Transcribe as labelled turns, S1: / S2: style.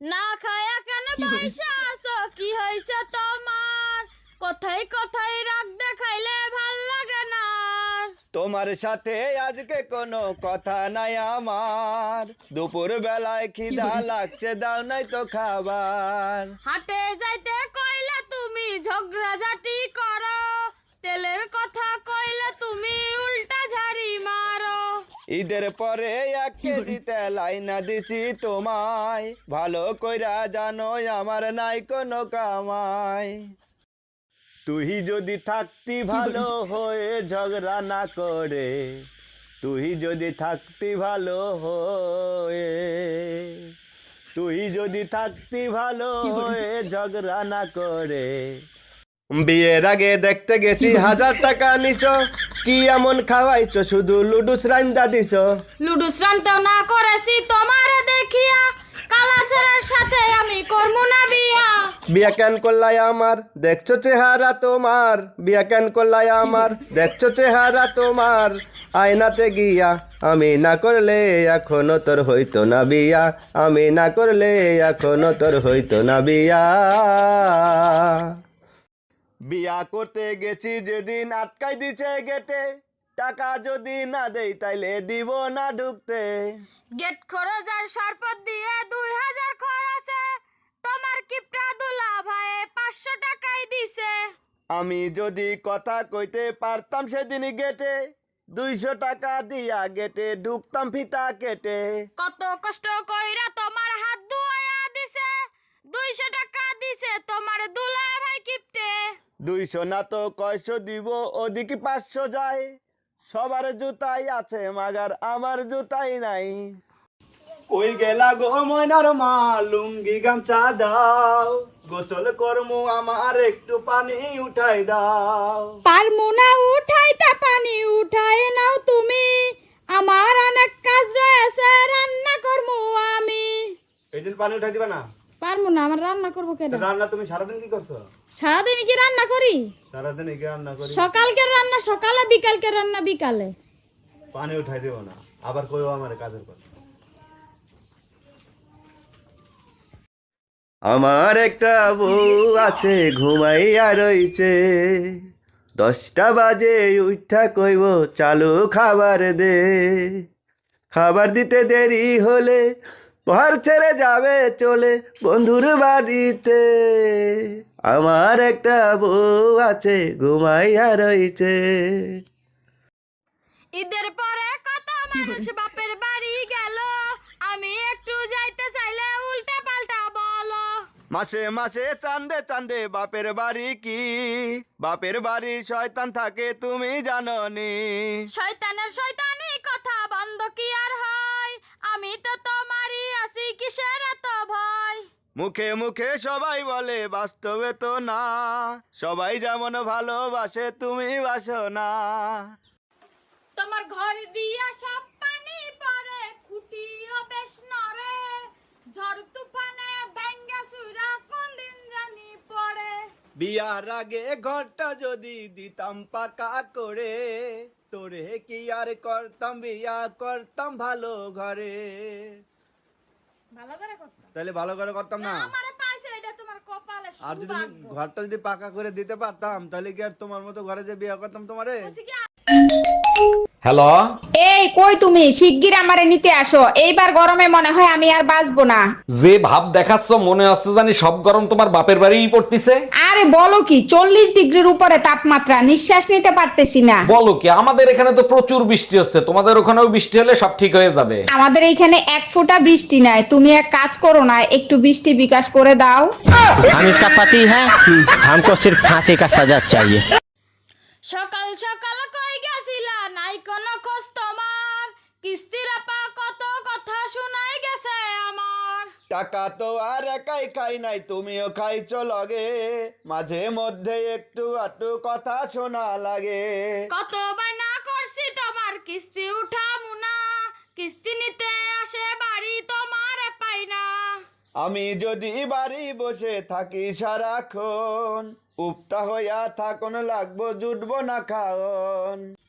S1: না খায়া কেন বইসা আছো, কি হইছে তোমার? কোথায় কোথায় রাগ দেখাইলে ভাল লাগে না আর।
S2: তোমার সাথে আজকে কোনো কথা নাই আমার, দুপুর বেলায় খিদা লাগছে, দাও নাই তো খাবার।
S1: হাটে যাইতে কইলে তুমি ঝগড়াঝাটি করো, তেলের কথা কইলে তুমি উল্টা ঝাড়ি মারো।
S2: ঈদের পরে 1 কেজি তেল আইনা দিছি তোমায়, ভালো কইরা জানো আমার নাই কোনো কামাই। তুই যদি থাকতি ভালো হয়ে ঝগড়া না করে, তুই যদি থাকতি ভালো হয়ে, তুই যদি থাকতি ভালো হয়ে ঝগড়া না করে। বিয়ের আগে দেখতে গেছি 1000 টাকা নিছো, কি এমন খাওয়াইছো শুধু লুডুস রান্দা দিছো।
S1: লুডুস রানতেও না করেছি তোমারে দেখিয়া, কালাচরের সাথে আমি করমু না বিয়া।
S2: বিয়া কেন করলাই আমার, দেখছো চেহারা তোমার, বিয়া কেন করলাই আমার, দেখছো চেহারা তোমার। আয়নাতে গিয়া আমি না করলে এখনো তোর হইতো না বিয়া, আমি না করলে এখনো তোর হইতো না বিয়া। বিয়া করতে গেছি যেদিন আটকাই দিছে গেটে, টাকা যদি না দেই তাইলে দিব না ঢুকতে।
S1: গেট খরচার শরবত দিয়ে 2000 খরচে, তোমার কিপটা দুলা ভাই 500 টাকাই দিছে।
S2: আমি যদি কথা কইতে পারতাম সেদিন গেটে, 200 টাকা দিয়া গেটে ঢুকতাম ফিতা কেটে।
S1: কত কষ্ট কইরা তোমার হাত ধুইয়া দিছে, 200 টাকা দিছে তোমার দুলা ভাই কিপটে।
S2: 200 না তো কয়শো দিব, ওদিকে 500 যায়। সবার জুতাই আছে মাগার আমার জুতাই নাই। কই গেলা গো ময়নার মা, লুঙ্গি গামছা দাও, গোসল করমু আমার একটু পানি উঠাই দাও।
S1: পারমু না উঠাইতে, পানি উঠায় নাও তুমি, আমার অনেক কাজ রয়েছে রান্না করমু আমি।
S2: এই দিন পানি উঠাই দিবা না?
S1: পারমু না, আমার রান্না করবো কেন?
S2: রান্না তুমি সারাদিন কি করছো?
S1: সারাদিন কি রান্না করি?
S2: সারাদিন কি রান্না করি?
S1: সকালকে রান্না সকালে, বিকালকে রান্না বিকালে।
S2: পানি উঠাই দিব না, আবার কইও আমার কাজের কথা। আমার একটা বউ আছে ঘুমাইয়া রইছে, 10টা বাজে উঠা কইব চালু খাবার দে। খাবার দিতে দেরি হলে ঘর ছেড়ে যাবে চলে বন্ধুর বাড়িতে। আমার একটা বউ আছে ঘুমাইয়া রইছে।
S1: ঈদের পরে কত মানুষ বাপের বাড়ি গেল, আমি একটু যাইতে চাইলে উল্টা পাল্টা বলো।
S2: মাসে মাসে চান্দে চান্দে বাপের বাড়ি কি, বাপের বাড়ি শয়তান থাকে তুমি জানো নি।
S1: শয়তানের শয়তানি কথা বন্ধ কি আর হয়, আমি তো তোমারই আছি, কিসের এত ভয়?
S2: মুখে মুখে সবাই বলে বাস্তবে তো না, সবাই যেমন ভালোবাসে তুমি বাসো না।
S1: তোমার ঘর দিয়া সব পানি পড়ে, খুঁটিও বেশ নড়ে, ঝড় তুফানে ভাঙ্গা চুরা কোন দিন জানি পড়ে।
S2: বিয়ার আগে ঘরটা যদি দিতাম পাকা করে, তোরে কি আর করতাম বিয়া, করতাম ভালো ঘরে।
S1: ভালো করে করতাম,
S2: তাহলে ভালো করে করতাম না?
S1: আমারে পাইছে এটা তোমার কপালে
S2: আর যদি
S1: সৌভাগ্য।
S2: ঘরটা যদি পাকা করে দিতে পারতাম তাহলে কি আর তোমার মতো ঘরে যে বিয়ে করতাম তোমারে?
S1: বলছি কি,
S3: হ্যালো,
S4: এই কই তুমি? শিগগির আমারে নিতে আসো, এইবার গরমে মনে হয় আমি আর বাঁচবো না।
S3: যে ভাব দেখাচ্ছ মনে হচ্ছে জানি সব গরম তোমার বাপের বাড়িই পড়তিছে।
S4: আরে বলো কি, 40 ডিগ্রির উপরে তাপমাত্রা, নিঃশ্বাস নিতে পারতেছি না।
S3: বলো কি, আমাদের এখানে তো প্রচুর বৃষ্টি হচ্ছে, তোমাদের ওখানেও বৃষ্টি হলে সব ঠিক হয়ে যাবে।
S4: আমাদের এইখানে এক ফোঁটা বৃষ্টি নাই, তুমি এক কাজ করো না, একটু বৃষ্টি বিকাশ করে দাও।
S5: हम इसका पति है, हमको सिर्फ फांसी का सजा चाहिए।
S1: সকাল সকাল কই গেছিলা, নাই কোনো খোঁজ তোমার, কিস্তির আপা কত কথা শুনাই গেছে আমার।
S2: টাকা তো আর একাই খাই নাই, তুমিও খাইছো লগে, মাঝে মধ্যে একটু আটু কথা শোনা লাগে।
S1: কত বায়না করছি তোমার কিস্তি উঠামু না, কিস্তি নিতে আসে বাড়ি তোমার পাই না।
S2: আমি যদি বাড়ি বসে থাকি সারাক্ষণ, উপতা হইয়া থাকুন লাগবো জুটবো না খাওন।